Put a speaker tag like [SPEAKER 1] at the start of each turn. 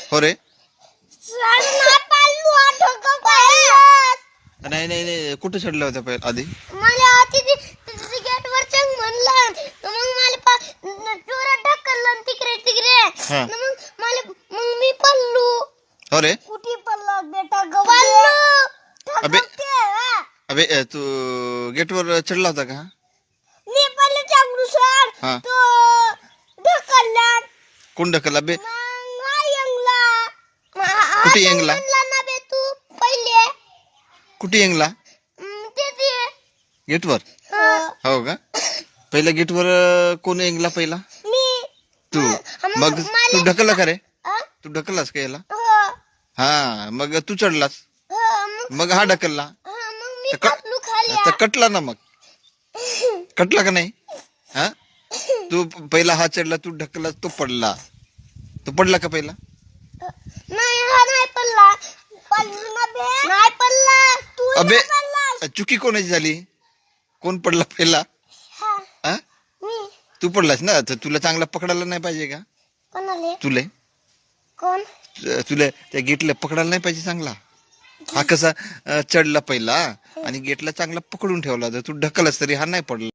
[SPEAKER 1] हो रे
[SPEAKER 2] नाही पाळलो आठवतो पाळलं
[SPEAKER 1] नाही नाही नाही कुठे चढल्या होत्या पहिले आधी
[SPEAKER 2] मला तिथे गेट वर चंग म्हणलं मग मला जोरात ढकललं तिकडे तिकडे
[SPEAKER 1] हा
[SPEAKER 2] मग मी पळलो
[SPEAKER 1] हो रे
[SPEAKER 2] कुठे पळलो बेटा पळलो
[SPEAKER 1] अबे अबे तू गेटवर चढला होता का
[SPEAKER 2] मी पहिले चांगलू सर
[SPEAKER 1] हा
[SPEAKER 2] तो ढकलला
[SPEAKER 1] कोण ढकलला बे
[SPEAKER 2] मग हा यंगला
[SPEAKER 1] कुठे यंगला
[SPEAKER 2] ना बे तू पहिले
[SPEAKER 1] कुठे यंगला
[SPEAKER 2] ते
[SPEAKER 1] गेटवर हो का पहिल्या गेटवर कोण यंगला पहिला
[SPEAKER 2] मी
[SPEAKER 1] तू मग तू ढकलला का रे तू ढकललास का याला
[SPEAKER 2] हो
[SPEAKER 1] हा मग तू चढलास मग हा ढकलला
[SPEAKER 2] मग मी
[SPEAKER 1] तर
[SPEAKER 2] पळलो खाली
[SPEAKER 1] तर कटला ना मग कटला का नाही हा तू पहिला हा चढला तू ढकलला तो पडला का पहिला
[SPEAKER 2] नाही हा नाही पडला पडलो ना बे नाही पडला तू
[SPEAKER 1] अबे
[SPEAKER 2] पडला
[SPEAKER 1] चुकी कोणाची झाली कोण पडला पहिला हा
[SPEAKER 2] मी
[SPEAKER 1] तू पडलास ना तर तुला चांगला पकडायला नाही पाहिजे का
[SPEAKER 2] कोणाले
[SPEAKER 1] तुले
[SPEAKER 2] कोण
[SPEAKER 1] तुला त्या गेटला पकडायला नाही पाहिजे चांगला हा कसा चढला पहिला आणि गेटला चांगला पकडून ठेवला तर तू ढकलस तरी हा नाही पडला